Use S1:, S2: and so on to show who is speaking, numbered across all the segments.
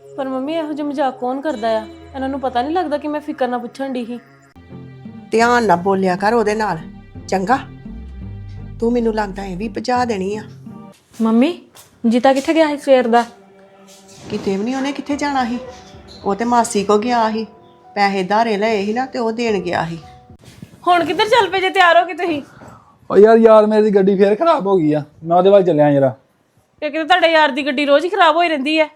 S1: ਪਰ ਮੰਮੀ ਇਹੋ ਜਿਹਾ ਮਜ਼ਾਕ ਕੌਣ ਕਰਦਾ ਆ? ਇਹਨਾਂ ਨੂੰ ਪਤਾ ਨਹੀਂ ਲੱਗਦਾ ਕਿ ਮੈਂ ਫਿਕਰ ਨਾਲ ਪੁੱਛਣ ਦੀ ਸੀ।
S2: ਧਿਆਨ ਨਾਲ ਬੋਲਿਆ ਕਰ ਉਹਦੇ ਨਾਲ, ਚੰਗਾ? ਤੂੰ ਮੈਨੂੰ ਲੱਗਦਾ ਇਹ ਵੀ ਭਜਾ ਦੇਣੀ ਆ।
S1: ਮੰਮੀ ਜੀਤਾ ਕਿੱਥੇ ਗਿਆ ਸੀ ਸਵੇਰ ਦਾ?
S2: ਕਿਤੇ ਵੀ ਨਹੀਂ, ਉਹਨੇ ਕਿੱਥੇ ਜਾਣਾ ਸੀ? ਉਹ ਤੇ ਮਾਸੀ ਕੋ ਗਿਆ ਸੀ, ਪੈਸੇ ਧਾਰੇ ਲਏ ਸੀ ਨਾ ਤੇ ਉਹ ਦੇਣ ਗਿਆ ਸੀ।
S1: ਹੁਣ ਕਿੱਧਰ ਚੱਲ ਪਏ ਜੇ ਤਿਆਰ ਹੋ ਕੇ ਤੁਸੀਂ?
S3: ਓ ਯਾਰ ਮੇਰੀ ਗੱਡੀ ਫੇਰ ਖਰਾਬ ਹੋ ਗਈ ਆ, ਮੈਂ ਉਹਦੇ ਵੱਲ ਚੱਲਿਆ ਜਰਾ।
S1: ਇਹ ਕਿਤੇ ਤੁਹਾਡੇ ਯਾਰ ਦੀ ਗੱਡੀ ਰੋਜ਼ ਹੀ ਖਰਾਬ ਹੋਈ ਰਹਿੰਦੀ ਹੈ।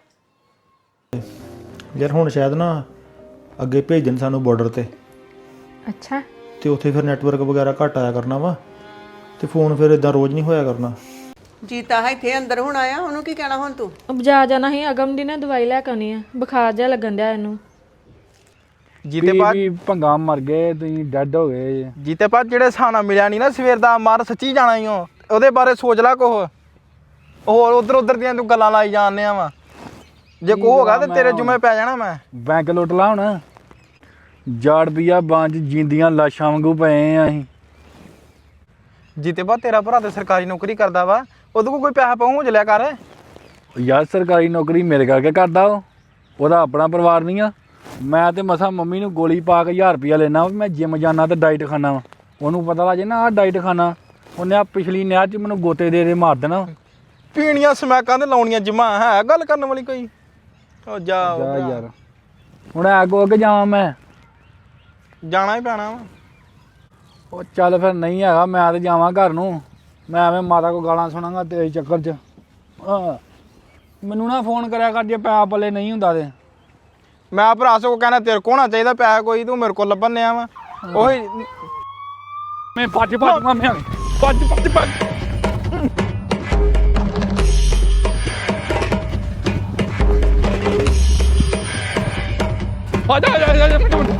S4: ਯਾਰ ਹੁਣ ਸ਼ਾਇਦ ਨਾ ਅੱਗੇ ਭੇਜਣ ਸਾਨੂੰ ਬਾਰਡਰ ਤੇ,
S1: ਅੱਛਾ।
S4: ਤੇ ਉੱਥੇ ਫਿਰ ਨੈਟਵਰਕ ਵਗੈਰਾ ਘੱਟ ਆਇਆ ਕਰਨਾ ਵਾ, ਤੇ ਫੋਨ ਫਿਰ ਇਦਾਂ ਰੋਜ਼ ਨਹੀਂ ਹੋਇਆ ਕਰਨਾ।
S2: ਜੀਤਾ ਹੈ ਇੱਥੇ ਅੰਦਰ ਹੁਣ ਆਇਆ, ਉਹਨੂੰ ਕੀ ਕਹਿਣਾ ਹੁਣ ਤੂੰ?
S1: ਬਾਜ਼ਾਰ ਜਾਣਾ ਸੀ, ਅਗਮ ਦੀ ਨਾ ਦਵਾਈ ਲੈ ਕੇ ਆਉਣੀ ਆ, ਬੁਖਾਰ ਜਿਹਾ ਲੱਗਣ ਡਿਆ ਇਹਨੂੰ।
S4: ਜੀਤੇ ਬਾਅਦ
S3: ਭੰਗਾ ਮਰ ਗਏ, ਤੁਸੀਂ ਡੈਡ ਹੋ ਗਏ।
S4: ਜੀਤੇ ਬਾਅਦ ਜਿਹੜੇ ਸਾਨਾ ਮਿਲਿਆ ਨਹੀਂ ਨਾ ਸਵੇਰ ਦਾ, ਮਾਰ ਸੱਚੀ ਜਾਣਾ ਹੀ ਹੋ, ਉਹਦੇ ਬਾਰੇ ਸੋਚ ਲੈ ਕੁਛ। ਹੋਰ ਉਧਰ ਦੀਆਂ ਤੂੰ ਗੱਲਾਂ ਲਾਈ ਜਾਂਦੇ ਆ ਵਾ, ਜੇ ਕੋ ਹੋਗਾ ਤੇ ਤੇਰੇ ਜੁਮੇ ਪੈ ਜਾਣਾ। ਮੈਂ
S3: ਬੈਂਕ ਲੁੱਟ ਲਾ ਹੁਣ, ਜਾੜ ਬੀਆ ਬਾਂਝ ਜਿੰਦੀਆਂ ਲਾਸ਼ਾਂ ਵਾਂਗੂ ਪਏ ਆ ਅਸੀਂ।
S4: ਜੀਤੇ ਬਾਅਦ ਤੇਰਾ ਭਰਾ ਤੇ ਸਰਕਾਰੀ ਨੌਕਰੀ ਕਰਦਾ ਵਾ, ਉਹਦੇ ਕੋਲ ਕੋਈ ਪੈਸਾ ਪਹੁੰਚ ਲਿਆ ਕਰ।
S3: ਯਾਰ ਸਰਕਾਰੀ ਨੌਕਰੀ ਮੇਰੇ ਕਰਕੇ ਕਰਦਾ ਉਹਦਾ ਆਪਣਾ ਪਰਿਵਾਰ ਨਹੀਂ ਆ। ਮੈਂ ਤੇ ਮਸਾਂ ਮੰਮੀ ਨੂੰ ਗੋਲੀ ਪਾ ਕੇ 1000 ਰੁਪਇਆ ਲੈਣਾ, ਮੈਂ ਜਿਮ ਜਾਣਾ ਤੇ ਡਾਈਟ ਖਾਣਾ ਵਾ। ਉਹਨੂੰ ਪਤਾ ਲੱਗ ਜੇ ਨਾ ਆਹ ਡਾਈਟ ਖਾਣਾ, ਉਹਨੇ ਆ ਪਿਛਲੀ ਨਹਿਰ 'ਚ ਮੈਨੂੰ ਗੋਤੇ ਦੇ ਮਾਰ ਦੇਣਾ।
S4: ਪੀਣੀਆਂ ਸਮੈਕਾਂ ਤੇ ਲਾਉਣੀਆਂ ਜਿਮਾ ਹੈ ਗੱਲ ਕਰਨ ਵਾਲੀ ਕੋਈ? ਉਹ ਜਾ
S3: ਯਾਰ ਹੁਣ ਅੱਗੋਂ ਅੱਗੇ ਜਾਵਾਂ ਮੈਂ,
S4: ਜਾਣਾ ਹੀ ਪੈਣਾ ਵਾ।
S3: ਉਹ ਚੱਲ ਫਿਰ ਨਹੀਂ ਹੈਗਾ, ਮੈਂ ਤੇ ਜਾਵਾਂ ਘਰ ਨੂੰ। ਮੈਂ ਐਵੇਂ ਮਾਤਾ ਕੋ ਗਾਲਾਂ ਸੁਣਾਂਗਾ ਤੇਰੇ ਚੱਕਰ 'ਚ। ਮੈਨੂੰ ਨਾ ਫੋਨ ਕਰਿਆ ਕਰ ਜੇ ਪੈਸਾ ਪੱਲੇ ਨਹੀਂ ਹੁੰਦਾ ਤੇ।
S4: ਮੈਂ ਭਰਾ ਸੋ ਕਹਿਣਾ ਤੇਰੇ ਕੋਲ ਹੋਣਾ ਚਾਹੀਦਾ ਪੈਸਾ ਕੋਈ, ਤੂੰ ਮੇਰੇ ਕੋਲ ਲੱਭਣ ਆ ਵਾ। ਉਹੀ
S3: ਮੈਂ ਭੱਜ ਮੈਂ ਭੱਜ ਆ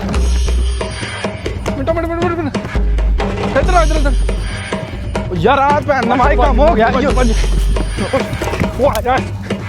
S3: ਇੱਧਰ
S4: ਯਾਰ ਆ ਭੈਣ ਨਮਾਈ ਕੰਮ ਹੋ ਗਿਆ ਜੀ। ਉਹ ਆ ਜਾ।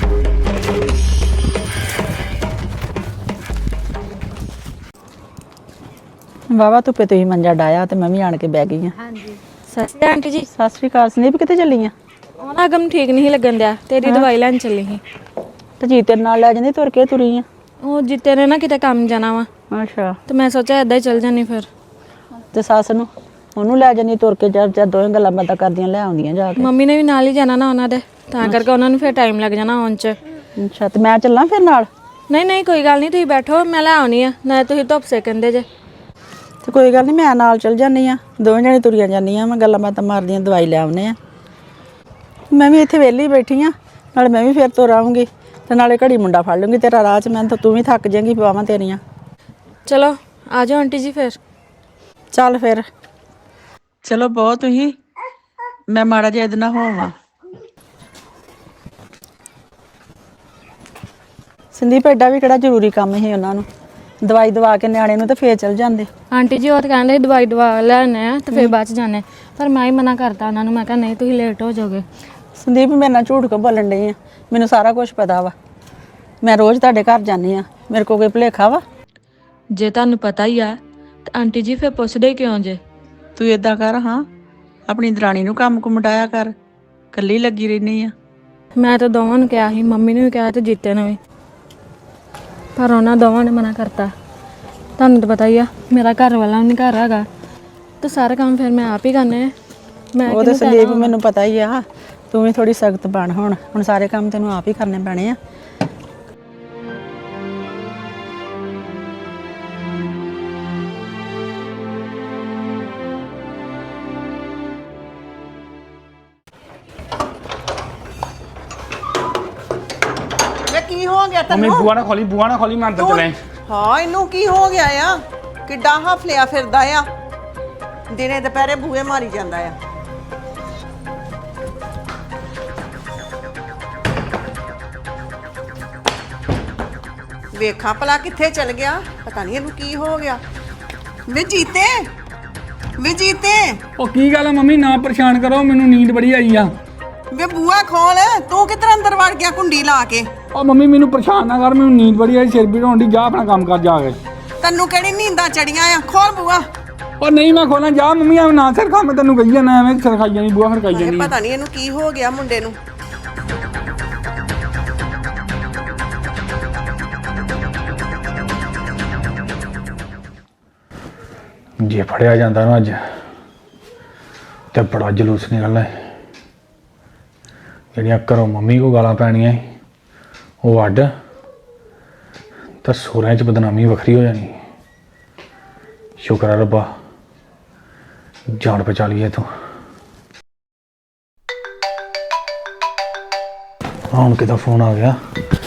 S5: ਵਾਵਾ ਧੁੱਪੇ ਤੁਸੀਂ ਮੰਜਾ ਡਾਇਆ ਤੇ ਮੈਂ ਵੀ ਆਣ ਕੇ ਬਹਿ ਗਈ ਆ।
S1: ਹਾਂਜੀ ਸਤਿ ਸ਼੍ਰੀ ਅਕਾਲ ਆਂਟੀ ਜੀ।
S5: ਸਤਿ ਸ਼੍ਰੀ ਅਕਾਲ। ਸੰਦੀਪ ਕਿੱਥੇ ਚੱਲੀ ਆ?
S1: ਉਹ ਨਾ ਅਗਮ ਠੀਕ ਨਹੀਂ ਲੱਗਣ ਡਿਆ, ਤੇਰੀ ਦਵਾਈ ਲੈਣ ਚੱਲੀ ਸੀ।
S5: ਤੇ ਜੀ ਤੇਰੇ ਨਾਲ ਲੈ ਜਾਂਦੀ, ਤੁਰ ਕੇ ਤੁਰੀ ਆ?
S1: ਉਹ ਜਿੱਤੇ ਨੇ ਨਾ ਕਿਤੇ ਕੰਮ ਜਾਣਾ ਵਾ,
S5: ਅੱਛਾ।
S1: ਤੇ ਮੈਂ ਸੋਚਿਆ ਏਦਾਂ ਹੀ ਚੱਲ ਜਾਨੀ ਫਿਰ।
S5: ਤੇ ਸੱਸ ਨੂੰ ਉਹਨੂੰ ਲੈ ਜਾਂਦੀ ਤੁਰ ਕੇ, ਜਾਂ ਦੋਵੇਂ ਗੱਲਾਂ ਬਾਤਾਂ ਕਰਦੀਆਂ ਲੈ ਆਉਂਦੀਆਂ ਜਾ ਕੇ।
S1: ਮੰਮੀ ਨੇ ਵੀ ਨਾਲ ਹੀ ਜਾਣਾ ਨਾ ਉਹਨਾਂ ਦੇ, ਤਾਂ ਕਰਕੇ ਉਹਨਾਂ ਨੂੰ ਫਿਰ ਟਾਈਮ ਲੱਗ ਜਾਣਾ ਆਉਣ 'ਚ।
S5: ਅੱਛਾ, ਤੇ ਮੈਂ ਚੱਲਾਂ ਫਿਰ ਨਾਲ?
S1: ਨਹੀਂ ਕੋਈ ਗੱਲ ਨਹੀਂ, ਤੁਸੀਂ ਬੈਠੋ, ਮੈਂ ਲੈ ਆਉਣੀ ਆ, ਨਾ ਤੁਸੀਂ ਧੁੱਪ ਸੇਕੰਦੇ ਜੇ।
S5: ਤੇ ਕੋਈ ਗੱਲ ਨਹੀਂ, ਮੈਂ ਨਾਲ ਚੱਲ ਜਾਂਦੀ ਆ, ਦੋਵੇਂ ਜਣੇ ਤੁਰੀਆਂ ਜਾਂਦੀਆਂ, ਮੈਂ ਗੱਲਾਂ ਬਾਤਾਂ ਮਾਰਦੀਆਂ ਦਵਾਈ ਲੈ ਆਉਨੇ ਆ। ਮੈਂ ਵੀ ਇੱਥੇ ਵਿਹਲੀ ਬੈਠੀ ਆ, ਨਾਲੇ ਮੈਂ ਵੀ ਫਿਰ ਤੁਰ ਆਉਂਗੀ, ਤੇ ਨਾਲੇ ਘੜੀ ਮੁੰਡਾ ਫੜ ਲੂੰਗੀ ਤੇਰਾ ਰਾਹ 'ਚ। ਮੈਂ ਤਾਂ ਤੂੰ ਵੀ ਥੱਕ ਜਾਏਂਗੀ ਪਵਾਵਾਂ ਤੇਰੀਆਂ।
S1: ਚਲੋ ਆ ਜਾਓ ਆਂਟੀ ਜੀ ਫਿਰ।
S5: ਚੱਲ ਫਿਰ। ਚਲੋ ਬਹੁਤ ਤੁਸੀਂ, ਮੈਂ ਮਾੜਾ ਜਿਹਾ ਇਹਦੇ ਨਾਲ ਹੋਵਾਂ। ਸੰਦੀਪ ਐਡਾ ਵੀ ਕਿਹੜਾ ਜ਼ਰੂਰੀ ਕੰਮ ਸੀ ਉਹਨਾਂ ਨੂੰ? ਦਵਾਈ ਦਵਾ ਕੇ ਨਿਆਣੇ ਨੂੰ ਤੇ ਫੇਰ ਚਲ ਜਾਂਦੇ।
S1: ਆਂਟੀ ਜੀ ਉਹ ਤਾਂ ਕਹਿੰਦੇ ਦਵਾਈ ਦਵਾ ਲੈਣੇ ਆ ਤੇ ਫਿਰ ਬਾਅਦ 'ਚ ਜਾਣੇ, ਪਰ ਮੈਂ ਹੀ ਮਨਾ ਕਰਤਾ ਉਹਨਾਂ ਨੂੰ। ਮੈਂ ਕਿਹਾ ਨਹੀਂ, ਤੁਸੀਂ ਲੇਟ ਹੋ ਜਾਓਗੇ।
S5: ਸੰਦੀਪ ਮੇਰੇ ਨਾਲ ਝੂਠ ਕਿਉਂ ਬੋਲਣ ਡਈ ਆ? ਮੈਨੂੰ ਸਾਰਾ ਕੁਝ ਪਤਾ ਵਾ, ਮੈਂ ਰੋਜ਼ ਤੁਹਾਡੇ ਘਰ ਜਾਂਦੀ ਆ, ਮੇਰੇ ਕੋਲ ਕੋਈ ਭੁਲੇਖਾ ਵਾ?
S1: ਜੇ ਤੁਹਾਨੂੰ ਪਤਾ ਹੀ ਆ ਤਾਂ ਆਂਟੀ ਜੀ ਫਿਰ ਪੁੱਛਦੇ ਕਿਉਂ ਜੇ?
S5: ਤੂੰ ਏਦਾਂ ਕਰ, ਹਾਂ ਆਪਣੀ ਦਰਾਣੀ ਨੂੰ ਕੰਮ ਕੁਮਟਾਇਆ ਕਰ, ਇਕੱਲੀ ਲੱਗੀ ਰਹਿੰਦੀ ਆ।
S1: ਮੈਂ ਤਾਂ ਦੋਵਾਂ ਨੂੰ ਕਿਹਾ ਸੀ, ਮੰਮੀ ਨੂੰ ਵੀ ਕਿਹਾ ਤੇ ਜੀਤੇ ਨੂੰ ਵੀ, ਪਰ ਉਹਨਾਂ ਦੋਵਾਂ ਨੇ ਮਨਾ ਕਰਤਾ। ਤੁਹਾਨੂੰ ਤਾਂ ਪਤਾ ਹੀ ਆ, ਮੇਰਾ ਘਰ ਵਾਲਾ ਨਹੀਂ ਘਰ ਹੈਗਾ, ਤੇ ਸਾਰੇ ਕੰਮ ਫਿਰ ਮੈਂ ਆਪ ਹੀ ਕਰਨੇ ਆ। ਮੈਂ
S5: ਉਹ ਤਾਂ ਸੰਦੀਪ ਮੈਨੂੰ ਪਤਾ ਹੀ ਆ, ਤੂੰ ਵੀ ਥੋੜੀ ਸਖਤ ਬਣ। ਹੁਣ ਸਾਰੇ ਕੰਮ ਤੈਨੂੰ ਆਪ ਹੀ ਕਰਨੇ ਪੈਣੇ ਆ।
S2: ਵੇ ਕੀ ਹੋ ਗਿਆ
S3: ਮੰਮੀ
S2: ਤੈਨੂੰ?
S3: ਬੂਆ ਨਾ ਖੋਲੀ ਮੈਂ ਅੰਦਰ ਚਲੇ।
S2: ਹਾਂ, ਇਹਨੂੰ ਕੀ ਹੋ ਗਿਆ ਆ? ਕਿੱਡਾ ਹਫਲਿਆ ਫਿਰਦਾ ਆ, ਦਿਨੇ ਦੁਪਹਿਰੇ ਬੂਹੇ ਮਾਰੀ ਜਾਂਦਾ ਆ। ਵੇਖਾਂ ਭਲਾ ਕਿੱਥੇ ਚਲ ਗਿਆ, ਪਤਾ ਨਹੀਂ ਇਹਨੂੰ ਕੀ ਹੋ ਗਿਆ। ਵੇ ਜੀਤੇ, ਵੇ ਜੀਤੇ,
S3: ਉਹ ਕੀ ਗੱਲ ਆ ਮੰਮੀ, ਨਾ ਪਰੇਸ਼ਾਨ ਕਰੋ, ਮੈਨੂੰ ਨੀਂਦ ਬੜੀ ਆਈ ਆ।
S2: ਵੇ ਬੂਹਾ ਖੋਲ, ਤੂੰ ਕਿੱਧਰ ਅੰਦਰ ਵੜ ਗਿਆ ਕੁੰਡੀ ਲਾ ਕੇ?
S3: ਉਹ ਮੰਮੀ ਮੈਨੂੰ ਪਰੇਸ਼ਾਨ ਨਾ ਕਰ, ਮੈਨੂੰ ਨੀਂਦ ਬੜੀ ਆਈ, ਸਿਰ ਪੀੜ ਹੋਣ ਦੀ। ਜਾ ਆਪਣਾ ਕੰਮ ਕਰ ਜਾ ਕੇ।
S2: ਤੈਨੂੰ ਕਿਹੜੀ ਨੀਂਦਾਂ ਚੜੀਆਂ ਆ? ਖੋਲ ਬੂਹਾ।
S3: ਉਹ ਨਹੀਂ ਮੈਂ ਖੋਲਾਂ, ਜਾ ਮੰਮੀ ਐਵੇਂ ਨਾ ਸਿਰ ਖਾ, ਮੈਂ ਤੈਨੂੰ ਕਹੀ ਜਾਣਾ, ਐਵੇਂ ਸਿਰ ਖਾਈ ਜਾਣੀ, ਬੂਆ ਖੜਕਾਈ ਜਾਣੀ।
S2: ਪਤਾ ਨਹੀਂ ਇਹਨੂੰ ਕੀ ਹੋ ਗਿਆ ਮੁੰਡੇ ਨੂੰ।
S3: ਜੇ ਫੜਿਆ ਜਾਂਦਾ ਨਾ ਅੱਜ ਤੇ ਬੜਾ ਜਲੂਸ ਨਿਕਲਣਾ ਹੈ। ਜਿਹੜੀਆਂ ਘਰੋਂ ਮੰਮੀ ਕੋ ਗਾਲਾਂ ਪੈਣੀਆਂ ਸੀ ਉਹ ਅੱਡ, ਤਾਂ ਸਹੁਰਿਆਂ 'ਚ ਬਦਨਾਮੀ ਵੱਖਰੀ ਹੋ ਜਾਣੀ। ਸ਼ੁਕਰ ਆ ਰੱਬਾ ਜਾਨ ਬਚਾ ਲਈ ਇੱਥੋਂ। ਹੁਣ ਕਿਹਦਾ ਫੋਨ ਆ ਗਿਆ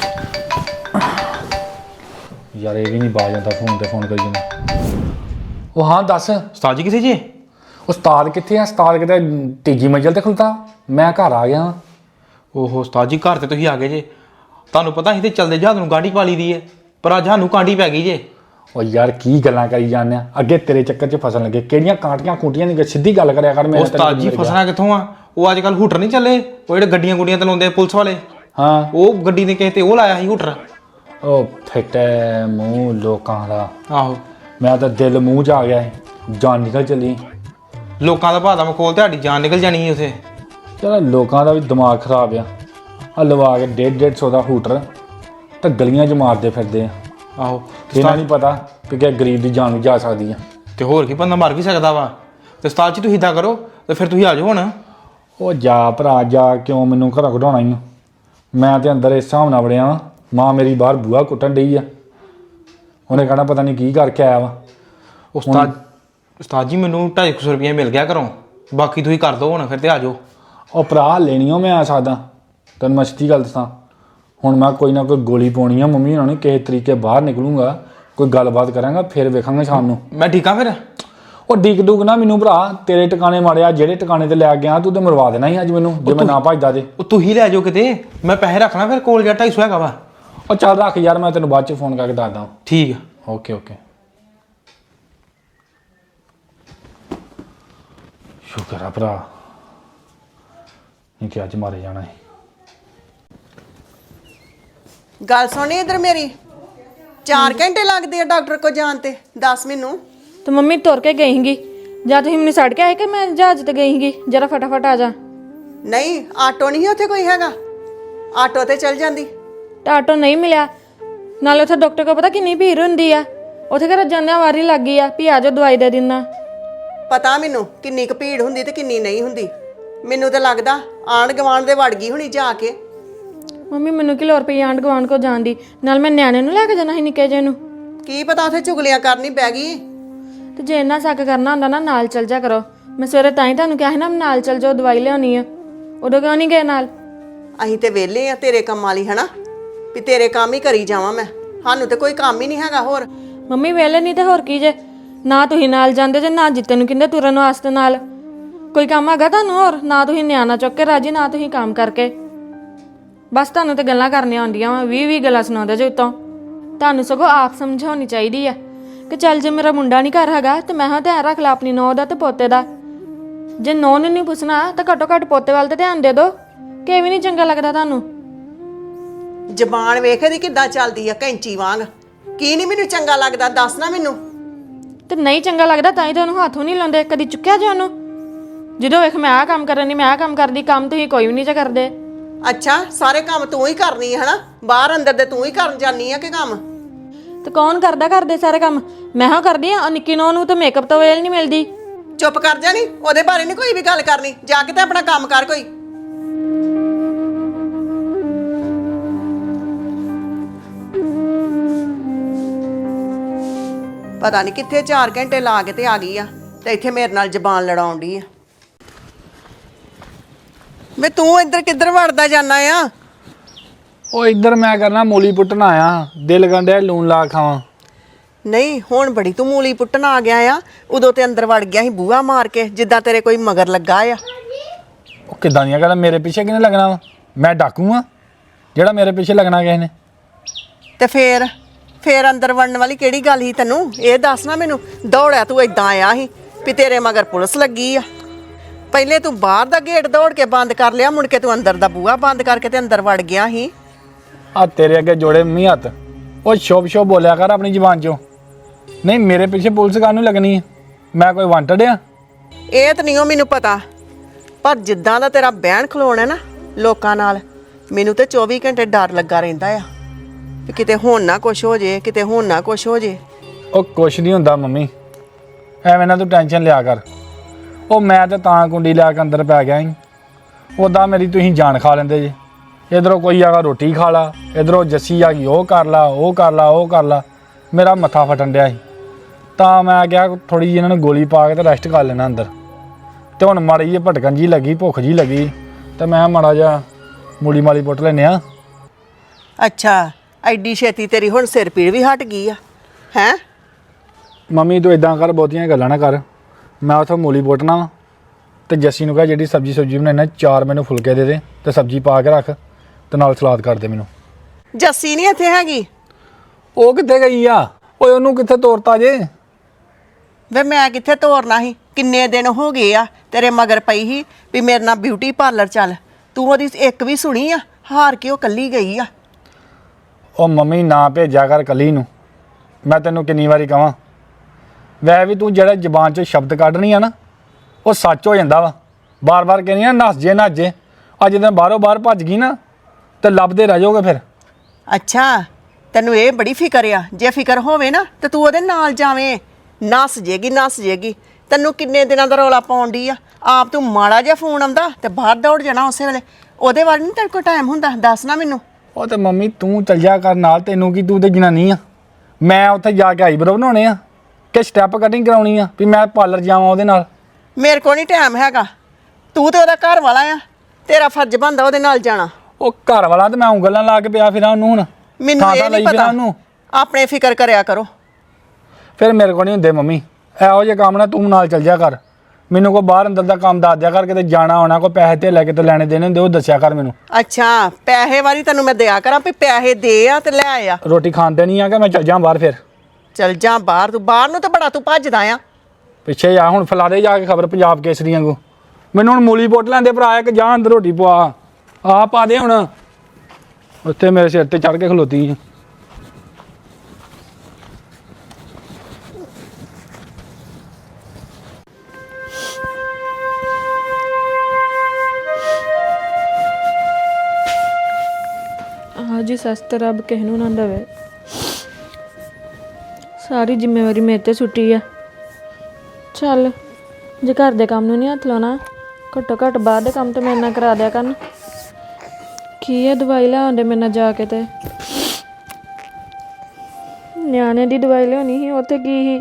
S3: ਯਾਰ, ਇਹ ਵੀ ਨਹੀਂ ਬਾਜ ਜਾਂਦਾ ਫੋਨ ਤੇ ਫੋਨ ਕਰੀ ਜਾਂਦਾ। ਉਹ ਹਾਂ ਦੱਸ
S4: ਉਸਤਾਦ ਜੀ ਕਿੱਥੇ ਜੇ?
S3: ਉਸਤਾਦ ਕਿੱਥੇ ਆ? ਉਸਤਾਦ ਕਿਤੇ ਤੀਜੀ ਮੰਜ਼ਿਲ ਤੇ ਖੁੱਲਤਾ, ਮੈਂ ਘਰ ਆ ਗਿਆ।
S4: ਓਹੋ ਉਸਤਾਦ ਜੀ ਘਰ ਤੇ ਤੁਸੀਂ ਆ ਗਏ ਜੇ। ਤੁਹਾਨੂੰ ਪਤਾ ਅਸੀਂ ਤੇ ਚਲਦੇ ਜਹਾਜ਼ ਨੂੰ ਗਾਂਢੀ ਪਾ ਲਈ ਦੀ ਹੈ, ਪਰ ਅੱਜ ਸਾਨੂੰ ਕਾਂਢੀ ਪੈ ਗਈ ਜੇ।
S3: ਉਹ ਯਾਰ ਕੀ ਗੱਲਾਂ ਕਰੀ ਜਾਂਦੇ ਆ, ਅੱਗੇ ਤੇਰੇ ਚੱਕਰ 'ਚ ਫਸਣ ਲੱਗੇ। ਕਿਹੜੀਆਂ ਕਾਂਟੀਆਂ ਕੂਟੀਆਂ ਨਹੀਂ, ਸਿੱਧੀ ਗੱਲ ਕਰਿਆ ਕਰ। ਮੇਰੇ
S4: ਉਸਤਾਦ ਜੀ ਫਸਣਾ ਕਿੱਥੋਂ ਆ? ਉਹ ਅੱਜ ਕੱਲ ਹੂਟਰ ਨਹੀਂ ਚੱਲੇ, ਉਹ ਜਿਹੜੇ ਗੱਡੀਆਂ ਗੁੱਡੀਆਂ ਤੇ ਲਾਉਂਦੇ ਆ ਪੁਲਿਸ ਵਾਲੇ।
S3: ਹਾਂ
S4: ਉਹ ਗੱਡੀ ਨੇ ਕਿਸੇ ਤੇ ਉਹ ਲਾਇਆ ਸੀ ਹੂਟਰ।
S3: ਉਹ ਫਿੱਟੇ ਮੂੰਹ ਲੋਕਾਂ ਦਾ,
S4: ਆਹੋ
S3: ਮੈਂ ਤਾਂ ਦਿਲ ਮੂੰਹ 'ਚ ਆ ਗਿਆ ਸੀ, ਜਾਨ ਨਿਕਲ ਚੱਲੀ।
S4: ਲੋਕਾਂ ਦਾ ਭਾਦਾ ਮਖੌਲ, ਤੁਹਾਡੀ ਜਾਨ ਨਿਕਲ ਜਾਣੀ ਸੀ ਉਥੇ।
S3: ਚਲੋ ਲੋਕਾਂ ਦਾ ਵੀ ਦਿਮਾਗ ਖਰਾਬ ਆ ਲਵਾ ਕੇ 150 ਦਾ ਹੂਟਰ ਤਾਂ ਗਲੀਆਂ 'ਚ ਮਾਰਦੇ ਫਿਰਦੇ ਆ।
S4: ਆਹੋ
S3: ਇਹਨਾਂ ਨਹੀਂ ਪਤਾ ਕਿ ਗਰੀਬ ਦੀ ਜਾਨ ਵੀ ਜਾ ਸਕਦੀ ਆ।
S4: ਤੇ ਹੋਰ ਕੀ, ਬੰਦਾ ਮਰ ਵੀ ਸਕਦਾ ਵਾ। ਤੇ ਉਸਤਾਦ ਜੀ ਤੁਸੀਂ ਇਦਾਂ ਕਰੋ ਤੇ ਫਿਰ ਤੁਸੀਂ ਆ ਜਾਓ ਹੁਣ।
S3: ਉਹ ਜਾ ਭਰਾ ਜਾ, ਕਿਉਂ ਮੈਨੂੰ ਘਰੋਂ ਕਢਾਉਣਾ ਹੀ? ਮੈਂ ਤੇ ਅੰਦਰ ਇਸ ਹਿਸਾਬ ਨਾਲ ਵੜਿਆ ਵਾਂ, ਮਾਂ ਮੇਰੀ ਬਾਹਰ ਬੂਹਾ ਕੁੱਟਣ ਡਈ ਆ। ਉਹਨੇ ਕਹਿਣਾ ਪਤਾ ਨਹੀਂ ਕੀ ਕਰਕੇ ਆਇਆ ਵਾ।
S4: ਉਸਤਾਦ ਜੀ ਮੈਨੂੰ 250 ਰੁਪਏ ਮਿਲ ਗਿਆ ਘਰੋਂ, ਬਾਕੀ ਤੁਸੀਂ ਕਰ ਦਿਓ ਹੁਣ ਫਿਰ ਤੇ ਆ ਜਾਓ।
S3: ਉਹ ਭਰਾ ਲੈਣੀ ਉਹ ਮੈਂ ਆ ਸਕਦਾ, ਤੈਨੂੰ ਮੈਂ ਸੱਚੀ ਗੱਲ ਦੱਸਾਂ। ਹੁਣ ਮੈਂ ਕੋਈ ਨਾ ਕੋਈ ਗੋਲੀ ਪਾਉਣੀ ਆ ਮੰਮੀ ਹੋਣਾ ਨੇ, ਕਿਸੇ ਤਰੀਕੇ ਬਾਹਰ ਨਿਕਲੂੰਗਾ, ਕੋਈ ਗੱਲਬਾਤ ਕਰਾਂਗਾ, ਫਿਰ ਵੇਖਾਂਗੇ ਸ਼ਾਮ ਨੂੰ।
S4: ਮੈਂ ਠੀਕ ਆ ਫਿਰ?
S3: ਉਹ ਡੀਕ ਡੂਕ ਨਾ ਮੈਨੂੰ ਭਰਾ, ਤੇਰੇ ਟਿਕਾਣੇ ਮਾਰਿਆ, ਜਿਹੜੇ ਟਿਕਾਣੇ ਤੇ ਲੈ ਗਿਆ ਤੂੰ ਤੇ ਮਰਵਾ ਦੇਣਾ ਸੀ ਅੱਜ ਮੈਨੂੰ, ਜੇ ਮੈਂ ਨਾ ਭੱਜਦਾ ਤੇ।
S4: ਉਹ ਤੂੰ ਹੀ ਲੈ ਜਾਓ ਕਿਤੇ, ਮੈਂ ਪੈਸੇ ਰੱਖਣਾ ਫਿਰ ਕੋਲ ਜਾ 250 ਹੈਗਾ ਵਾ।
S3: ਉਹ ਚੱਲ ਰੱਖ ਯਾਰ, ਮੈਂ ਤੈਨੂੰ ਬਾਅਦ 'ਚ ਫੋਨ ਕਰਕੇ ਦੱਸਦਾ।
S4: ਠੀਕ ਆ,
S3: ਓਕੇ ਓਕੇ। ਸ਼ੁਕਰ ਆ ਭਰਾ, ਨਹੀਂ ਕਿ ਅੱਜ ਮਾਰੇ ਜਾਣਾ ਹੈ।
S2: ਗੱਲ ਸੁਣੀ ਇਧਰ ਮੇਰੀ, 4 ਘੰਟੇ ਲੱਗਦੇ ਆ ਡਾਕਟਰ ਕੋ ਜਾਣ ਤੇ, ਦੱਸ ਮੈਨੂੰ।
S1: ਤੇ ਮੰਮੀ ਤੁਰ ਕੇ ਗਈ ਸੀਗੀ, ਜਾਂ ਤੁਸੀਂ ਮੈਨੂੰ ਛੱਡ ਕੇ ਆਏ ਕਿ ਮੈਂ ਜਹਾਜ਼ ਤੇ ਗਈ ਸੀਗੀ? ਜਰਾ ਫਟਾਫਟ ਆ ਜਾ।
S2: ਨਹੀਂ ਆਟੋ ਨਹੀਂ ਉੱਥੇ ਕੋਈ ਹੈਗਾ, ਆਟੋ ਤੇ ਚੱਲ ਜਾਂਦੀ।
S1: ਤੇ ਆਟੋ ਨਹੀਂ ਮਿਲਿਆ, ਨਾਲੇ ਉੱਥੇ ਡਾਕਟਰ ਕੋਲ ਪਤਾ ਕਿੰਨੀ ਭੀੜ ਹੁੰਦੀ ਆ, ਉੱਥੇ ਘਰ ਜਾਂਦਿਆਂ ਵਾਰੀ ਲੱਗ ਗਈ ਆ ਵੀ ਆ ਜਾਓ ਦਵਾਈ ਦੇ ਦਿੰਦਾ।
S2: ਪਤਾ ਮੈਨੂੰ ਕਿੰਨੀ ਕੁ ਭੀੜ ਹੁੰਦੀ ਤੇ ਕਿੰਨੀ ਨਹੀਂ ਹੁੰਦੀ। ਮੈਨੂੰ ਤਾਂ ਲੱਗਦਾ ਆਂਢ ਗੁਆਂਢ ਦੇ ਵੜ ਗਈ ਹੁਣੀ ਜਾ ਕੇ।
S1: ਮੰਮੀ ਮੈਨੂੰ ਕਿ ਲੋੜ ਪਈ ਆਂਢ ਗੁਆਂਢ ਕੋ ਜਾਣ ਦੀ, ਨਾਲ ਮੈਂ ਨਿਆਣੇ ਨੂੰ ਲੈ ਕੇ ਜਾਣਾ ਸੀ ਨਿੱਕੇ ਜਿਹੇ ਨੂੰ।
S2: ਕੀ ਪਤਾ ਉੱਥੇ ਚੁਗਲੀਆਂ ਕਰਨੀ ਪੈ ਗਈ।
S1: ਤੇ ਜੇ ਇੰਨਾ ਸ਼ੱਕ ਕਰਨਾ ਹੁੰਦਾ ਨਾ ਨਾਲ ਚੱਲ ਜਾ ਕਰੋ। ਮੈਂ ਸਵੇਰੇ ਤਾਂ ਹੀ ਤੁਹਾਨੂੰ ਕਿਹਾ ਸੀ ਨਾ ਨਾਲ ਚੱਲ ਜਾਓ, ਦਵਾਈ ਲਿਆਉਣੀ ਆ। ਉਦੋਂ ਕਿਉਂ ਨਹੀਂ ਗਏ ਨਾਲ?
S2: ਅਸੀਂ ਤੇ ਵਿਹਲੇ ਆ ਤੇਰੇ ਕੰਮ ਵਾਲੀ, ਹਨਾ ਵੀ ਤੇਰੇ ਕੰਮ ਹੀ ਕਰੀ ਜਾਵਾਂ ਮੈਂ, ਸਾਨੂੰ ਤੇ ਕੋਈ ਕੰਮ ਹੀ ਨਹੀਂ ਹੈਗਾ ਹੋਰ।
S1: ਮੰਮੀ ਵੇਲੇ ਨਹੀਂ ਤੇ ਹੋਰ ਕੀ ਜੇ, ਨਾ ਤੁਸੀਂ ਨਾਲ ਜਾਂਦੇ ਜੇ, ਨਾ ਜਿੱਤੇ ਨੂੰ ਕਹਿੰਦੇ ਤੁਰਨ ਵਾਸਤੇ ਨਾਲ। ਕੋਈ ਕੰਮ ਹੈਗਾ ਤੁਹਾਨੂੰ ਹੋਰ? ਨਾ ਤੁਸੀਂ ਨਿਆਣਾ ਚੁੱਕ ਕੇ ਰਾਜੀ, ਨਾ ਤੁਸੀਂ ਕੰਮ ਕਰਕੇ। ਬਸ ਤੁਹਾਨੂੰ ਤੇ ਗੱਲਾਂ ਕਰਨੀਆਂ ਆਉਂਦੀਆਂ ਵਾ, 20 ਗੱਲਾਂ ਸੁਣਾਉਂਦੇ ਜੇ ਉੱਤੋਂ। ਤੁਹਾਨੂੰ ਸਗੋਂ ਆਪ ਸਮਝਾਉਣੀ ਚਾਹੀਦੀ ਆ ਕਿ ਚੱਲ ਜੇ ਮੇਰਾ ਮੁੰਡਾ ਨਹੀਂ ਘਰ ਹੈਗਾ ਤੇ ਮੈਂ ਹਾਂ ਧਿਆਨ ਰੱਖ ਲਾ ਆਪਣੀ ਨੂੰਹ ਦਾ ਤੇ ਪੋਤੇ ਦਾ। ਜੇ ਨੂੰਹ ਨੂੰ ਨਹੀਂ ਪੁੱਛਣਾ ਤਾਂ ਘੱਟੋ ਘੱਟ ਪੋਤੇ ਵੱਲ ਤੇ ਧਿਆਨ ਦੇ ਦਿਓ। ਕਿ ਵੀ ਨਹੀਂ ਚੰਗਾ ਲੱਗਦਾ ਤੁਹਾਨੂੰ?
S2: ਜ਼ਬਾਨ ਵੇਖ ਇਹਦੀ ਕਿੱਦਾਂ ਚੱਲਦੀ ਆ, ਕੈਂਚੀ ਵਾਂਗ। ਕੀ ਨਹੀਂ ਮੈਨੂੰ ਚੰਗਾ ਲੱਗਦਾ, ਦੱਸ ਨਾ ਮੈਨੂੰ।
S1: ਤੇ ਨਹੀਂ ਚੰਗਾ ਲੱਗਦਾ ਤਾਂ ਹੀ ਤਾਂ ਉਹਨੂੰ ਹੱਥੋਂ ਨਹੀਂ ਲਾਉਂਦੇ, ਕਦੀ ਚੁੱਕਿਆ ਜੇ ਉਹਨੂੰ? ਜਦੋਂ ਵੇਖ ਮੈਂ ਆਹ ਕੰਮ ਕਰਨੀ, ਮੈਂ ਆਹ ਕੰਮ ਕਰਦੀ, ਕੰਮ ਤੁਸੀਂ ਕੋਈ ਵੀ ਨਹੀਂ ਜੇ ਕਰਦੇ।
S2: ਅੱਛਾ ਸਾਰੇ ਕੰਮ ਤੂੰ ਹੀ ਕਰਨੀ ਹੈ, ਹਨਾ? ਬਾਹਰ ਅੰਦਰ ਦੇ ਤੂੰ ਹੀ ਕਰਨ ਜਾਨੀ ਆ ਕਿ ਕੰਮ?
S1: ਤੇ ਕੌਣ ਕਰਦਾ ਕਰਦੇ ਸਾਰੇ ਕੰਮ? ਮੈਂ ਹਾਂ ਕਰਦੀ ਆ। ਨਿੱਕੀ ਨੂੰਹ ਨੂੰ ਤਾਂ ਮੇਕਅਪ ਤੋਂ ਵੇਲ ਨਹੀਂ ਮਿਲਦੀ।
S2: ਚੁੱਪ ਕਰ ਜਾ, ਨੀ ਉਹਦੇ ਬਾਰੇ ਨਹੀਂ ਕੋਈ ਵੀ ਗੱਲ ਕਰਨੀ, ਜਾ ਕੇ ਤੇ ਆਪਣਾ ਕੰਮ ਕਰ ਕੋਈ। ਪਤਾ ਨਹੀਂ ਕਿੱਥੇ 4 ਘੰਟੇ ਲਾ ਕੇ ਤੇ ਆ ਗਈ ਆ, ਤੇ ਇੱਥੇ ਮੇਰੇ ਨਾਲ ਜ਼ਬਾਨ ਲੜਾਉਣ ਡਈ ਆ। ਵੇ ਤੂੰ ਇੱਧਰ ਕਿੱਧਰ ਵੜਦਾ ਜਾਨਾ ਆ?
S3: ਉਹ ਇੱਧਰ ਮੈਂ ਕਰਨਾ ਮੂਲੀ ਪੁੱਟਣ ਆਇਆ, ਦਿਲ ਗੰਡਿਆ ਲੂਣ ਲਾ ਖਾਵਾਂ।
S2: ਨਹੀਂ ਹੁਣ ਬੜੀ ਤੂੰ ਮੂਲੀ ਪੁੱਟਣ ਆ ਗਿਆ ਆ, ਉਦੋਂ ਤੇ ਅੰਦਰ ਵੜ ਗਿਆ ਸੀ ਬੂਹਾ ਮਾਰ ਕੇ, ਜਿੱਦਾਂ ਤੇਰੇ ਕੋਈ ਮਗਰ ਲੱਗਾ ਆ।
S3: ਉਹ ਕਿੱਦਾਂ ਦੀਆਂ ਗੱਲਾਂ, ਮੇਰੇ ਪਿੱਛੇ ਕਿਹਨੇ ਲੱਗਣਾ ਵਾ? ਮੈਂ ਡਾਕੂ ਆ ਜਿਹੜਾ ਮੇਰੇ ਪਿੱਛੇ ਲੱਗਣਾ ਕਿਸੇ ਨੇ?
S2: ਤੇ ਫੇਰ ਅੰਦਰ ਵੜਨ ਵਾਲੀ ਕਿਹੜੀ ਗੱਲ ਸੀ ਤੈਨੂੰ? ਇਹ ਦੱਸ ਨਾ ਮੈਨੂੰ। ਦੌੜਿਆ ਤੂੰ ਇਦਾਂ ਆਇਆ ਸੀ ਵੀ ਤੇਰੇ ਮਗਰ ਪੁਲਿਸ ਲੱਗੀ ਆ। ਪਹਿਲੇ ਤੂੰ ਬਾਹਰ ਦਾ ਗੇਟ ਦੌੜ ਕੇ ਬੰਦ ਕਰ ਲਿਆ, ਮੁੜ ਕੇ ਤੂੰ ਅੰਦਰ ਦਾ ਬੂਹਾ ਬੰਦ ਕਰਕੇ ਤੇ ਅੰਦਰ ਵੜ ਗਿਆ ਸੀ।
S3: ਆ ਤੇਰੇ ਅੱਗੇ ਜੋੜੇ ਮੰਮੀ ਹੱਥ, ਉਹ ਸ਼ੋਭ ਬੋਲਿਆ ਕਰ ਆਪਣੀ ਜ਼ੁਬਾਨ ਚੋਂ। ਨਹੀਂ ਮੇਰੇ ਪਿੱਛੇ ਪੁਲਿਸ ਕਾਹਨੂੰ ਲੱਗਣੀ ਹੈ? ਮੈਂ ਕੋਈ ਵਾਂਟਡ ਆ?
S2: ਇਹ ਤਾਂ ਨਹੀਂ ਮੈਨੂੰ ਪਤਾ, ਪਰ ਜਿੱਦਾਂ ਦਾ ਤੇਰਾ ਬਹਿਣ ਖਲੋਣਾ ਨਾ ਲੋਕਾਂ ਨਾਲ, ਮੈਨੂੰ ਤੇ 24 ਘੰਟੇ ਡਰ ਲੱਗਾ ਰਹਿੰਦਾ ਆ ਵੀ ਕਿਤੇ ਹੁਣ ਨਾ ਕੁਛ ਹੋ ਜੇ, ਕਿਤੇ ਹੁਣ ਨਾ ਕੁਛ ਹੋ ਜੇ।
S3: ਉਹ ਕੁਛ ਨਹੀਂ ਹੁੰਦਾ ਮੰਮੀ, ਐਵੇਂ ਨਾ ਤੂੰ ਟੈਨਸ਼ਨ ਲਿਆ ਕਰ। ਉਹ ਮੈਂ ਤਾਂ ਕੁੰਡੀ ਲੈ ਕੇ ਅੰਦਰ ਪੈ ਗਿਆ ਸੀ। ਉੱਦਾਂ ਮੇਰੀ ਤੁਸੀਂ ਜਾਨ ਖਾ ਲੈਂਦੇ ਜੀ। ਇਧਰੋਂ ਕੋਈ ਆਗਾ ਰੋਟੀ ਖਾ ਲਾ, ਇਧਰੋਂ ਜੱਸੀ ਆ ਗਈ ਉਹ ਕਰ ਲਾ ਉਹ ਕਰ ਲਾ ਉਹ ਕਰ ਲਾ, ਮੇਰਾ ਮੱਥਾ ਫਟਣ ਡਿਆ ਸੀ। ਤਾਂ ਮੈਂ ਕਿਹਾ ਥੋੜ੍ਹੀ ਜਿਹੀ ਇਹਨਾਂ ਨੂੰ ਗੋਲੀ ਪਾ ਕੇ ਤੇ ਰੈਸਟ ਕਰ ਲੈਣਾ ਅੰਦਰ। ਤੇ ਹੁਣ ਮਾੜੀ ਜਿਹੀ ਭਟਕਣ ਜੀ ਲੱਗੀ, ਭੁੱਖ ਜੀ ਲੱਗੀ, ਤੇ ਮੈਂ ਮਾੜਾ ਜਿਹਾ ਮੂਲੀ ਮਾਲੀ ਪੁੱਟ ਲੈਨੇ ਆ।
S2: ਅੱਛਾ, ਐਡੀ ਛੇਤੀ ਤੇਰੀ ਹੁਣ ਸਿਰ ਪੀੜ ਵੀ ਹਟ ਗਈ ਆ ਹੈ?
S3: ਮੰਮੀ ਤੂੰ ਇਦਾਂ ਕਰ, ਬਹੁਤੀਆਂ ਗੱਲਾਂ ਨਾ ਕਰ। ਮੈਂ ਉੱਥੋਂ ਮੂਲੀ ਪੁੱਟਣਾ ਵਾ ਤੇ ਜੱਸੀ ਨੂੰ ਕਹਾਂ ਜਿਹੜੀ ਸਬਜ਼ੀ ਬਣਾਉਣਾ 4 ਮੈਨੂੰ ਫੁਲਕੇ ਦੇ ਦੇ ਤੇ ਸਬਜ਼ੀ ਪਾ ਕੇ ਰੱਖ ਤੇ ਨਾਲ ਸਲਾਦ ਕਰ ਦੇ ਮੈਨੂੰ।
S2: ਜੱਸੀ ਨਹੀਂ ਇੱਥੇ ਹੈਗੀ?
S3: ਉਹ ਕਿੱਥੇ ਗਈ ਆ? ਓਏ ਉਹਨੂੰ ਕਿੱਥੇ ਤੋਰਤਾ ਜੇ?
S2: ਵੇ ਮੈਂ ਕਿੱਥੇ ਤੋਰਨਾ ਸੀ? ਕਿੰਨੇ ਦਿਨ ਹੋ ਗਏ ਆ ਤੇਰੇ ਮਗਰ ਪਈ ਸੀ ਵੀ ਮੇਰੇ ਨਾਲ ਬਿਊਟੀ ਪਾਰਲਰ ਚੱਲ। ਤੂੰ ਉਹਦੀ ਇੱਕ ਵੀ ਸੁਣੀ ਆ? ਹਾਰ ਕੇ ਉਹ ਕੱਲੀ ਗਈ ਆ।
S3: ਉਹ ਮੰਮੀ ਨਾ ਭੇਜਿਆ ਕਰ ਕੱਲੀ ਨੂੰ, ਮੈਂ ਤੈਨੂੰ ਕਿੰਨੀ ਵਾਰੀ ਕਹਾਂ। ਵੈ ਵੀ ਤੂੰ ਜਿਹੜਾ ਜ਼ਬਾਨ 'ਚੋਂ ਸ਼ਬਦ ਕੱਢਣੀ ਆ ਨਾ ਉਹ ਸੱਚ ਹੋ ਜਾਂਦਾ ਵਾ। ਬਾਰ-ਬਾਰ ਕਹਿੰਦੀ ਆ ਨੱਸ ਜੇ ਨੱਸ ਜੇ। ਅੱਜ ਜਦੋਂ ਬਾਹਰੋਂ ਬਾਹਰ ਭੱਜ ਗਈ ਨਾ ਤੇ ਲੱਭਦੇ ਰਹਿ ਜਾਓਗੇ ਫਿਰ।
S2: ਅੱਛਾ, ਤੈਨੂੰ ਇਹ ਬੜੀ ਫਿਕਰ ਆ? ਜੇ ਫਿਕਰ ਹੋਵੇ ਨਾ ਤੇ ਤੂੰ ਉਹਦੇ ਨਾਲ ਜਾਵੇਂ। ਨੱਸ ਜੇਗੀ। ਤੈਨੂੰ ਕਿੰਨੇ ਦਿਨਾਂ ਦਾ ਰੌਲਾ ਪਾਉਣ ਡਈ ਆ? ਆਪ ਤੂੰ ਮਾੜਾ ਜਿਹਾ ਫੋਨ ਆਉਂਦਾ ਤੇ ਬਾਹਰ ਦੌੜ ਜਾਣਾ ਉਸੇ ਵੇਲੇ। ਉਹਦੇ ਬਾਰੇ ਨਹੀਂ ਤੇਰੇ ਕੋਲ ਟਾਈਮ ਹੁੰਦਾ? ਦੱਸ ਨਾ ਮੈਨੂੰ।
S3: ਉਹ ਤੇ ਮੰਮੀ ਤੂੰ ਚੱਲ ਜਾ ਕਰ ਨਾਲ, ਤੈਨੂੰ ਕੀ, ਤੂੰ ਤੇ ਜਨਾਨੀ ਆ। ਮੈਂ ਉੱਥੇ ਜਾ ਕੇ ਆਈਬਰੋ ਬਣਾਉਣੇ ਆ ਕਿ ਸਟੈਪ ਕਟਿੰਗ ਕਰਾਉਣੀ ਆ ਵੀ ਮੈਂ ਪਾਰਲਰ ਜਾਵਾਂ ਉਹਦੇ ਨਾਲ?
S2: ਮੇਰੇ ਕੋਲ ਨਹੀਂ ਟਾਈਮ ਹੈਗਾ। ਤੂੰ ਤੇ ਉਹਦਾ ਘਰ ਵਾਲਾ ਆ, ਤੇਰਾ ਫਰਜ਼ ਬਣਦਾ ਉਹਦੇ ਨਾਲ ਜਾਣਾ।
S3: ਉਹ ਘਰ ਵਾਲਾ ਤੇ ਮੈਂ ਉਂਗਲਾਂ ਲਾ ਕੇ ਪਿਆ ਫਿਰਾਂ ਉਹਨੂੰ। ਹੁਣ
S2: ਮੈਨੂੰ ਇਹ ਨਹੀਂ ਪਤਾ। ਆਪਣੇ ਫਿਕਰ ਕਰਿਆ ਕਰੋ।
S3: ਫਿਰ ਮੇਰੇ ਕੋਲ ਨਹੀਂ ਹੁੰਦੇ ਮੰਮੀ ਇਹੋ ਜਿਹੇ ਕੰਮ। ਨਾ ਤੂੰ ਨਾਲ ਚੱਲ ਜਾ ਕਰ। ਮੈਨੂੰ ਕੋਈ ਬਾਹਰ ਅੰਦਰ ਦਾ ਕੰਮ ਦੱਸ ਦਿਆ ਕਰ, ਕਿਤੇ ਜਾਣਾ ਆਉਣਾ, ਕੋਈ ਪੈਸੇ ਤੇ ਲੈ ਕੇ ਤੇ ਲੈਣੇ ਦੇਣੇ ਹੁੰਦੇ ਉਹ ਦੱਸਿਆ ਕਰ ਮੈਨੂੰ।
S2: ਅੱਛਾ, ਪੈਸੇ ਵਾਲੀ ਤੈਨੂੰ ਮੈਂ ਦਿਆ ਕਰਾਂ ਵੀ ਪੈਸੇ ਦੇ ਆ ਤੇ ਲੈ ਆ।
S3: ਰੋਟੀ ਖਾਣ ਤੇ ਨਹੀਂ ਆ ਕਿ ਮੈਂ ਚੱਲ ਜਾ ਬਾਹਰ? ਫਿਰ
S2: ਚੱਲ ਜਾ ਬਾਹਰ। ਤੂੰ ਬਾਹਰ ਨੂੰ ਤਾਂ ਬੜਾ ਤੂੰ ਭੱਜਦਾ ਆ।
S3: ਪਿੱਛੇ ਜਾ ਹੁਣ, ਫੈਲਾ ਦੇ ਜਾ ਕੇ ਖਬਰ ਪੰਜਾਬ ਕੇਸਰੀ ਵਾਂਗੂ। ਮੈਨੂੰ ਹੁਣ ਮੂਲੀ ਪੁੱਟ ਲੈਂਦੇ ਭਰਾ ਕਿ ਜਾ ਅੰਦਰ ਰੋਟੀ ਪਵਾ ਆ ਪਾ ਦੇ। ਹੁਣ ਉੱਥੇ ਮੇਰੇ ਸਿਰ ਤੇ ਚੜ ਕੇ ਖਲੋਤੀ।
S1: ਜੀ ਸਸਤ ਰੱਬ ਕਿਸੇ ਨੂੰ ਨਾ ਦੇਵੇ। ਸਾਰੀ ਜ਼ਿੰਮੇਵਾਰੀ ਮੇਰੇ ਤੇ ਸੁੱਟੀ ਆ। ਚੱਲ ਜੇ ਘਰ ਦੇ ਕੰਮ ਨੂੰ ਨਹੀਂ ਹੱਥ ਲਾਉਣਾ, ਘੱਟੋ ਘੱਟ ਬਾਹਰ ਦੇ ਕੰਮ ਤੇ ਮੇਰੇ ਨਾਲ ਕਰਾ ਦਿਆ ਕਰਨ। ਕੀ ਹੈ ਦਵਾਈ ਲਿਆਉਂਦੇ ਮੇਰੇ ਨਾਲ ਜਾ ਕੇ? ਤੇ ਨਿਆਣੇ ਦੀ ਦਵਾਈ ਲਿਆਉਣੀ ਸੀ, ਉੱਥੇ ਕੀ ਸੀ?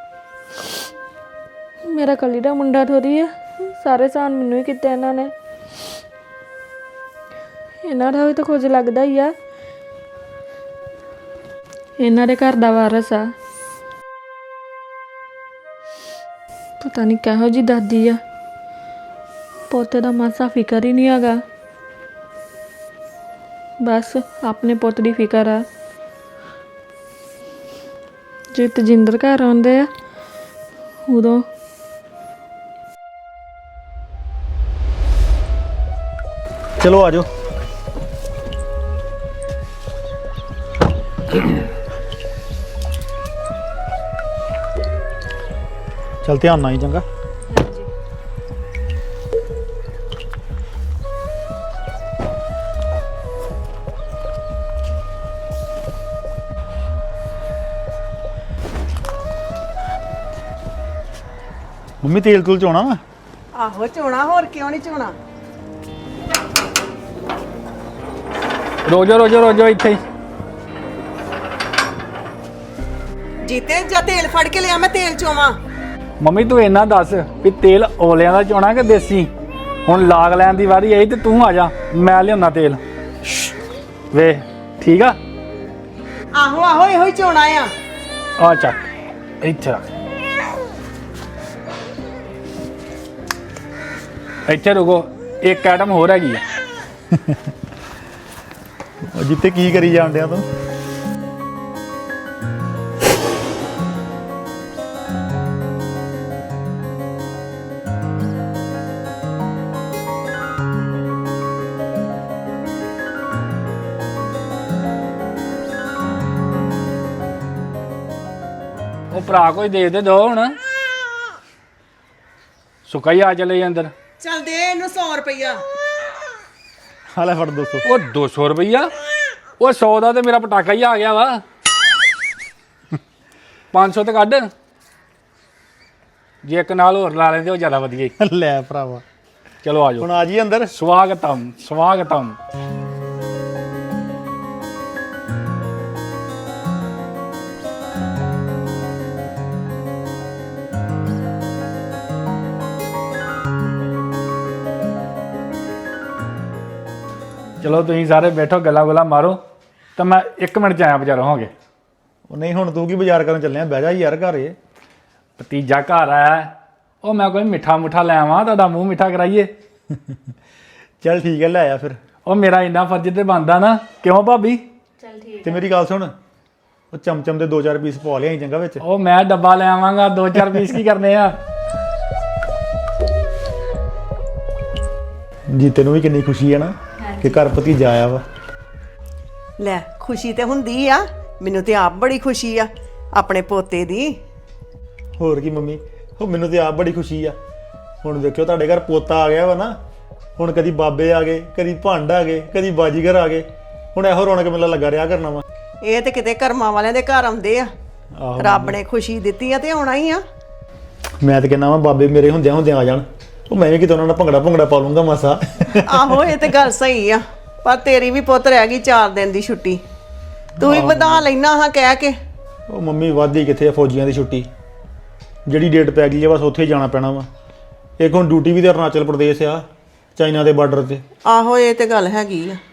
S1: ਮੇਰਾ ਕੱਲੀ ਦਾ ਮੁੰਡਾ ਥੋੜੀ ਆ, ਸਾਰੇ ਸਾਨ ਮੈਨੂੰ ਹੀ ਕੀਤੇ ਇਹਨਾਂ ਨੇ। ਇਹਨਾਂ ਦਾ ਵੀ ਤਾਂ ਕੁਝ ਲੱਗਦਾ ਹੀ ਆ। ਇਹਨਾਂ ਦੇ ਘਰ ਦਾ ਵਾਰਸ ਆ। ਪਤਾ ਨਹੀਂ ਕਿਹੋ ਜੀ ਦਾਦੀ ਆ। ਪੋਤੇ ਦਾ ਮਾਸਾ ਫਿਕਰ ਹੀ ਨਹੀਂ ਹੈਗਾ। ਬਸ ਆਪਣੇ ਪੁੱਤ ਦੀ ਫਿਕਰ ਆ। ਜੇ ਤਜਿੰਦਰ ਘਰ ਆਉਂਦੇ ਆ ਉਦੋਂ
S6: ਚਲੋ ਆ ਜਾਓ। ਚਲ ਧਿਆਨ ਨਾਲ ਹੀ, ਚੰਗਾ। ਮੰਮੀ ਤੇਲ ਤੂਲ ਚੋਣਾ ਵਾ?
S2: ਆਹੋ ਚੋਣਾ, ਹੋਰ ਕਿਉਂ ਨਹੀਂ ਚੋਣਾ।
S3: ਰੋਜੋ ਇੱਥੇ ਹੀ।
S2: ਜੀਤੇ ਜਾਂ ਤੇਲ ਫੜ ਕੇ ਲਿਆ, ਮੈਂ ਤੇਲ ਚੋਵਾਂ।
S3: ਮੰਮੀ ਤੂੰ ਇੰਨਾ ਦੱਸ ਵੀ ਤੇਲ ਔਲਿਆਂ ਦਾ ਚੋਣਾ ਕਿ ਦੇਸੀ? ਹੁਣ ਲਾਗ ਲੈਣ ਦੀ ਵਾਰੀ ਆਈ ਤੇ ਤੂੰ ਆ ਜਾ, ਮੈਂ ਲਿਆਉਣਾ ਤੇਲ। ਵੇ ਠੀਕ ਆ?
S2: ਆਹੋ ਇਹੋ ਹੀ ਚੋਣਾ ਆ।
S3: ਆ ਚੱਕ ਇੱਥੇ ਰੱਖ। ਇੱਥੇ ਰੁਕੋ, ਇੱਕ ਆਈਟਮ ਹੋਰ ਹੈਗੀ ਆ।
S6: ਉਹ ਜਿੱਤੇ ਕੀ ਕਰੀ ਜਾਂਦਿਆਂ ਤੂੰ?
S3: ਉਹ ਭਰਾ ਕੋਈ ਦੇ ਦੇ ਦੋ ਹੁਣ। ਸੁੱਕਾ ਹੀ ਆ ਚਲੇ ਅੰਦਰ।
S2: ਚੱਲ ਦੇ ਇਹਨੂੰ 100 ਰੁਪਈਆ।
S6: ਹਾਲੇ ਫੜ 200।
S3: ਉਹ 200 ਰੁਪਈਆ? ਉਹ 100 ਦਾ ਤੇ ਮੇਰਾ ਪਟਾਕਾ ਹੀ ਆ ਗਿਆ ਵਾ। 500 ਤੇ ਕੱਢ। ਜੇ ਇੱਕ ਨਾਲ ਹੋਰ ਲਾ ਲੈਂਦੇ ਉਹ ਜ਼ਿਆਦਾ ਵਧੀਆ ਸੀ।
S6: ਲੈ ਭਰਾਵਾ
S3: ਚਲੋ ਆ ਜਾਓ।
S6: ਹੁਣ ਆ ਜੀ ਅੰਦਰ।
S3: ਸਵਾਗਤਮ ਸਵਾਗਤਮ। ਚਲੋ ਤੁਸੀਂ ਸਾਰੇ ਬੈਠੋ, ਗੱਲਾਂ ਗੁੱਲਾਂ ਮਾਰੋ, ਤਾਂ ਮੈਂ 1 ਮਿੰਟ ਚ ਆਇਆ ਬਾਜ਼ਾਰੋਂ ਹੋ ਗਏ।
S6: ਉਹ ਨਹੀਂ ਹੁਣ ਤੂੰ ਕੀ ਬਾਜ਼ਾਰ ਕਰਨ ਚੱਲਿਆ? ਬਹਿ ਜਾ ਯਾਰ ਘਰੇ।
S3: ਭਤੀਜਾ ਘਰ ਆਇਆ, ਉਹ ਮੈਂ ਕੋਈ ਮਿੱਠਾ ਮੁੱਠਾ ਲੈ ਆਵਾਂ, ਤੁਹਾਡਾ ਮੂੰਹ ਮਿੱਠਾ ਕਰਾਈਏ।
S6: ਚੱਲ ਠੀਕ ਹੈ, ਲੈ ਆਇਆ ਫਿਰ।
S3: ਉਹ ਮੇਰਾ ਇੰਨਾ ਫਰਜ਼ ਤੇ ਬਣਦਾ ਨਾ, ਕਿਉਂ ਭਾਬੀ?
S6: ਤੇ ਮੇਰੀ ਗੱਲ ਸੁਣ, ਉਹ ਚਮਚਮ ਦੇ 2-4 ਪੀਸ ਪਾ ਲਿਆਈ ਚੰਗਾ ਵਿੱਚ।
S3: ਉਹ ਮੈਂ ਡੱਬਾ ਲੈ ਆਵਾਂਗਾ, 2-4 ਪੀਸ ਕੀ ਕਰਨੇ ਆ।
S6: ਜੀ ਤੈਨੂੰ ਵੀ ਕਿੰਨੀ ਖੁਸ਼ੀ ਹੈ ਨਾ ਕਿ ਘਰ ਭਤੀਜਾ ਆਇਆ ਵਾ।
S2: ਲੈ ਖੁਸ਼ੀ ਤੇ ਹੁੰਦੀ ਆ, ਮੈਨੂੰ ਤੇ ਆਪ ਬੜੀ ਖੁਸ਼ੀ ਆ ਆਪਣੇ ਪੋਤੇ ਦੀ।
S6: ਹੋਰ ਕੀ ਮੰਮੀ, ਉਹ ਮੈਨੂੰ ਤੇ ਆਪ ਬੜੀ ਖੁਸ਼ੀ ਆ। ਹੁਣ ਵੇਖਿਓ ਤੁਹਾਡੇ ਘਰ ਪੋਤਾ ਆ ਗਿਆ ਵਾ ਨਾ, ਹੁਣ ਕਦੀ ਬਾਬੇ ਆ ਗਏ, ਕਦੀ ਭੰਡ ਆ ਗਏ, ਕਦੀ ਬਾਜੀਗਰ ਆ ਗਏ। ਹੁਣ ਇਹੋ ਰੌਣਕ ਮੇਲਾ ਲੱਗਾ ਰਿਹਾ ਕਰਨਾ ਵਾ।
S2: ਇਹ ਤੇ ਕਿਤੇ ਕਰਮਾਂ ਵਾਲਿਆਂ ਦੇ ਘਰ ਆਉਂਦੇ ਆ,
S6: ਆਹੋ
S2: ਰੱਬ ਨੇ ਖੁਸ਼ੀ ਦਿੱਤੀ ਆ ਤੇ ਆਉਣਾ ਹੀ ਆ।
S6: ਮੈਂ ਤੇ ਕਹਿੰਦਾ ਵਾ ਬਾਬੇ ਮੇਰੇ ਹੁੰਦਿਆਂ ਆ ਜਾਣ, ਉਹ ਮੈਂ ਵੀ ਕਿਤੇ ਉਹਨਾਂ ਨਾਲ ਭੰਗੜਾ ਪਾ ਲੂੰਗਾ ਮਾਸਾ।
S2: ਆਹੋ ਇਹ ਤੇ ਗੱਲ ਸਹੀ ਆ, ਪਰ ਤੇਰੀ ਵੀ ਪੁੱਤ ਰਹਿ ਗਈ 4 ਦਿਨ ਦੀ ਛੁੱਟੀ, ਤੂੰ ਵੀ ਵਧਾ ਲੈਣਾ ਹਾਂ ਕਹਿ ਕੇ।
S6: ਉਹ ਮੰਮੀ ਵਾਧੀ ਕਿੱਥੇ ਆ ਫੌਜੀਆਂ ਦੀ ਛੁੱਟੀ, ਜਿਹੜੀ ਡੇਟ ਪੈ ਗਈ ਆ ਬਸ ਉੱਥੇ ਹੀ ਜਾਣਾ ਪੈਣਾ ਵਾ। ਇੱਕ ਹੁਣ ਡਿਊਟੀ ਵੀ ਤੇ ਅਰੁਣਾਚਲ ਪ੍ਰਦੇਸ਼ ਆ, ਚਾਈਨਾ ਦੇ ਬਾਰਡਰ ਤੇ।
S2: ਆਹੋ ਇਹ ਤੇ ਗੱਲ ਹੈਗੀ ਆ।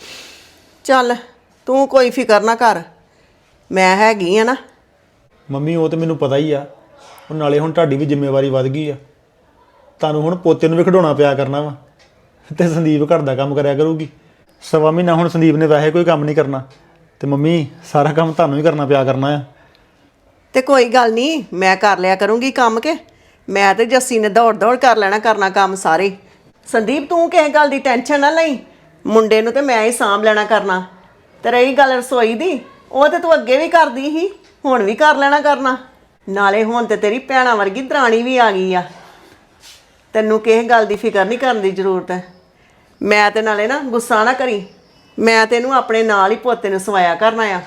S2: ਚੱਲ ਤੂੰ ਕੋਈ ਫਿਕਰ ਨਾ ਕਰ, ਮੈਂ ਹੈਗੀ ਆ ਨਾ।
S6: ਮੰਮੀ ਉਹ ਤੇ ਮੈਨੂੰ ਪਤਾ ਹੀ ਆ, ਉਹ ਨਾਲੇ ਹੁਣ ਤੁਹਾਡੀ ਵੀ ਜ਼ਿੰਮੇਵਾਰੀ ਵੱਧ ਗਈ ਆ। ਤੁਹਾਨੂੰ ਹੁਣ ਪੋਤੇ ਨੂੰ ਵੀ ਖਿਡਾਉਣਾ ਪਿਆ ਕਰਨਾ ਵਾ, ਤੇ ਸੰਦੀਪ ਘਰ ਦਾ ਕੰਮ ਕਰਿਆ ਕਰੂਗੀ। 1.25 ਮਹੀਨਾ ਹੁਣ ਸੰਦੀਪ ਨੇ ਵੈਸੇ ਕੋਈ ਕੰਮ ਨਹੀਂ ਕਰਨਾ, ਤੇ ਮੰਮੀ ਸਾਰਾ ਕੰਮ ਤੁਹਾਨੂੰ ਹੀ ਕਰਨਾ ਪਿਆ ਕਰਨਾ ਆ।
S2: ਤੇ ਕੋਈ ਗੱਲ ਨਹੀਂ, ਮੈਂ ਕਰ ਲਿਆ ਕਰੂੰਗੀ ਕੰਮ ਕੇ। ਮੈਂ ਤੇ ਜੱਸੀ ਨੇ ਦੌੜ ਕਰ ਲੈਣਾ ਕਰਨਾ ਕੰਮ ਸਾਰੇ। ਸੰਦੀਪ ਤੂੰ ਕਿਸੇ ਗੱਲ ਦੀ ਟੈਨਸ਼ਨ ਨਾ ਲਈ, ਮੁੰਡੇ ਨੂੰ ਤੇ ਮੈਂ ਹੀ ਸਾਂਭ ਲੈਣਾ ਕਰਨਾ। ਤੇ ਰਹੀ ਗੱਲ ਰਸੋਈ ਦੀ, ਉਹ ਤੇ ਤੂੰ ਅੱਗੇ ਵੀ ਕਰਦੀ ਸੀ, ਹੁਣ ਵੀ ਕਰ ਲੈਣਾ ਕਰਨਾ। ਨਾਲੇ ਹੁਣ ਤੇ ਤੇਰੀ ਭੈਣਾਂ ਵਰਗੀ ਦਰਾਣੀ ਵੀ ਆ ਗਈ ਆ, ਤੈਨੂੰ ਕਿਸੇ ਗੱਲ ਦੀ ਫਿਕਰ ਨਹੀਂ ਕਰਨ ਦੀ ਜ਼ਰੂਰਤ ਹੈ। ਮੈਂ ਤੇ ਨਾਲੇ ਨਾ ਗੁੱਸਾ ਨਾ ਕਰੀ, ਮੈਂ ਤੈਨੂੰ ਆਪਣੇ ਨਾਲ ਹੀ ਪੋਤੇ ਨੂੰ ਸਵਾਇਆ ਕਰਨਾ ਆ।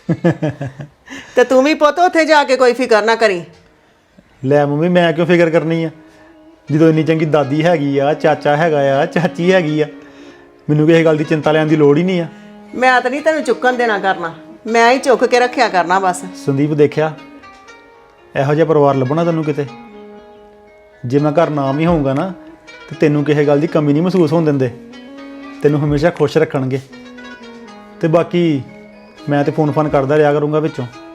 S2: ਤੇ ਤੂੰ ਵੀ ਪੁੱਤ ਉੱਥੇ ਜਾ ਕੇ ਕੋਈ ਫਿਕਰ ਨਾ ਕਰੀ।
S6: ਲੈ ਮੰਮੀ ਮੈਂ ਕਿਉਂ ਫਿਕਰ ਕਰਨੀ ਆ, ਜਦੋਂ ਇੰਨੀ ਚੰਗੀ ਦਾਦੀ ਹੈਗੀ ਆ, ਚਾਚਾ ਹੈਗਾ ਆ, ਚਾਚੀ ਹੈਗੀ ਆ, ਮੈਨੂੰ ਕਿਸੇ ਗੱਲ ਦੀ ਚਿੰਤਾ ਲੈਣ ਦੀ ਲੋੜ ਹੀ ਨਹੀਂ ਆ।
S2: ਮੈਂ ਤਾਂ ਨਹੀਂ ਤੈਨੂੰ ਚੁੱਕਣ ਦੇਣਾ ਕਰਨਾ, ਮੈਂ ਹੀ ਚੁੱਕ ਕੇ ਰੱਖਿਆ ਕਰਨਾ ਬਸ।
S6: ਸੰਦੀਪ ਦੇਖਿਆ, ਇਹੋ ਜਿਹਾ ਪਰਿਵਾਰ ਲੱਭਣਾ ਤੈਨੂੰ ਕਿਤੇ। ਜੇ ਮੈਂ ਘਰ ਨਾ ਵੀ ਹੋਊਗਾ ਨਾ, ਤੇ ਤੈਨੂੰ ਕਿਸੇ ਗੱਲ ਦੀ ਕਮੀ ਨਹੀਂ ਮਹਿਸੂਸ ਹੋਣ ਦਿੰਦੇ, ਤੈਨੂੰ ਹਮੇਸ਼ਾ ਖੁਸ਼ ਰੱਖਣਗੇ। ਤੇ ਬਾਕੀ ਮੈਂ ਤੇ ਫੋਨ ਕਰਦਾ ਰਿਹਾ ਕਰੂੰਗਾ ਵਿੱਚੋਂ।